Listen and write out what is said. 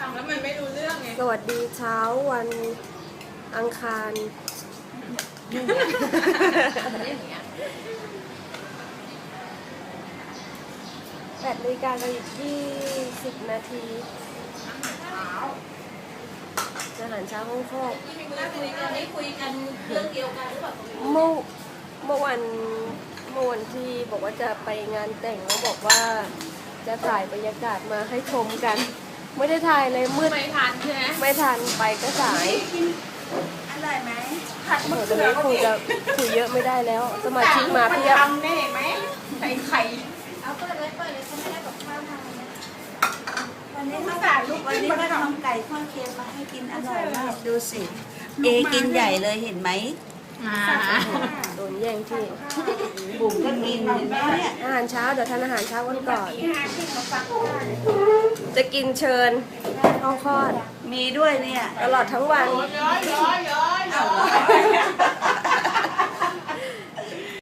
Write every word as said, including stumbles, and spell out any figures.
ฟังแล้วมันไม่รู้เรื่องไงสวัสดีเช้าวันอังคารแปดนาฬิกากับอีกยี่สิบนาทีอาหารเช้าห้องครอบคุยกันนี้คุยกันเรื่องเดียวกันหรือเปล่าเมื่อเมื่อวันเมื่อวันที่บอกว่าจะไปงานแต่งแล้วบอกว่าจะถ่ายบรรยากาศมาให้ชมกัน ไม่ได้ถ่ายเลยมืดไม่ทันใช่ไหมไม่ทันไปก็สายอร่อยไหมผัดโหมะตอนเขือนี้คงจะคุยเยอะไม่ได้แล้ว สมาชิกมาเพียบทำได้ไหมใส่ไข่เอาเปิดเลยเปิดเลยเขาไม่ได้กับข้าวทานนะวันนี้เขาสาลูกวันนี้ก็ทำไก่ทอดเค็มมาให้กินอร่อยมากดูสิเอกินใหญ่เลยเห็นไหมโดนแย่งที่บุ๋มก็กินเห็นไหมเนี่ยอาหารเช้าเดี๋ยวทานอาหารเช้ากันก่อนตีห้าขึ้นมาฟังได้จะกินเชิญห้องคลอดมีด้วยเนี่ยตลอดทั้งวันย้อยย้อยย้อย